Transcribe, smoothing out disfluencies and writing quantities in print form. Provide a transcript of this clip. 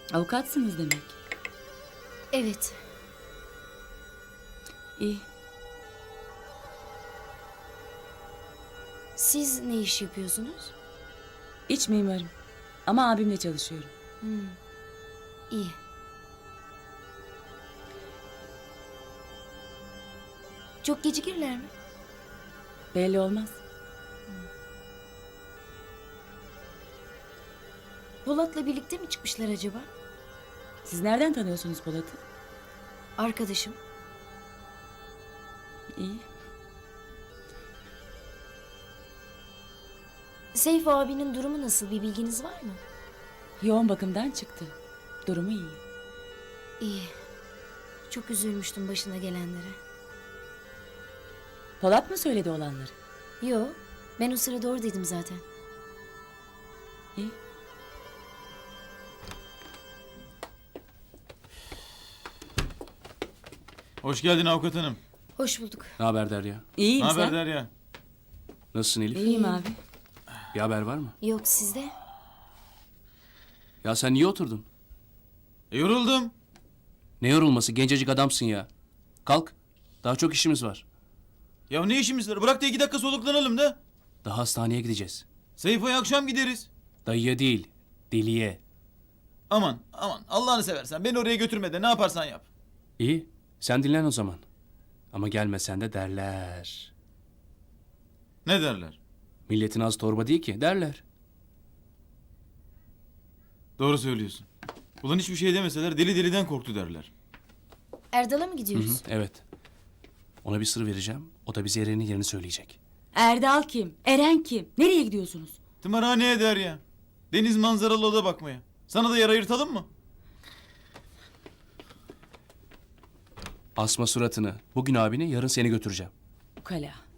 Avukatsınız demek. Evet. İyi. Siz ne iş yapıyorsunuz? İç mimarım. Ama abimle çalışıyorum. İyi. Çok gecikirler mi? Belli olmaz. Polat'la birlikte mi çıkmışlar acaba? Siz nereden tanıyorsunuz Polat'ı? Arkadaşım. İyi. Seyf abinin durumu nasıl, bir bilginiz var mı? Yoğun bakımdan çıktı. Durumu iyi. İyi. Çok üzülmüştüm başına gelenlere. Polat mı söyledi olanları? Yo, ben o sırada oradaydım zaten. İyi. Hoş geldin avukat hanım. Hoş bulduk. Ne haber Derya? İyiyim Ne haber sen? Derya? Nasılsın Elif? İyiyim abi. Bir haber var mı? Yok, sizde? Ya sen niye oturdun? Yoruldum. Ne yorulması? Gencecik adamsın ya. Kalk. Daha çok işimiz var. Ya ne işimiz var? Bırak da 2 dakika soluklanalım da. Daha hastaneye gideceğiz. Seyfo'ya akşam gideriz. Dayıya değil, deliye. Aman aman Allah'ını seversen beni oraya götürme de ne yaparsan yap. İyi. Sen dinlen o zaman. Ama gelmesen de derler. Ne derler? Milletin az torba değil ki derler. Doğru söylüyorsun. Ulan hiçbir şey demeseler deli deliden korktu derler. Erdal'a mı Hı gidiyoruz? hı, evet. Ona bir sır vereceğim. O da bize Eren'in yerini söyleyecek. Erdal kim? Eren kim? Nereye gidiyorsunuz? Tımarhaneye Derya. Deniz manzaralı oda bakmaya. Sana da yer ayırtalım mı? Asma suratını. Bugün abini, yarın seni götüreceğim. Ukala.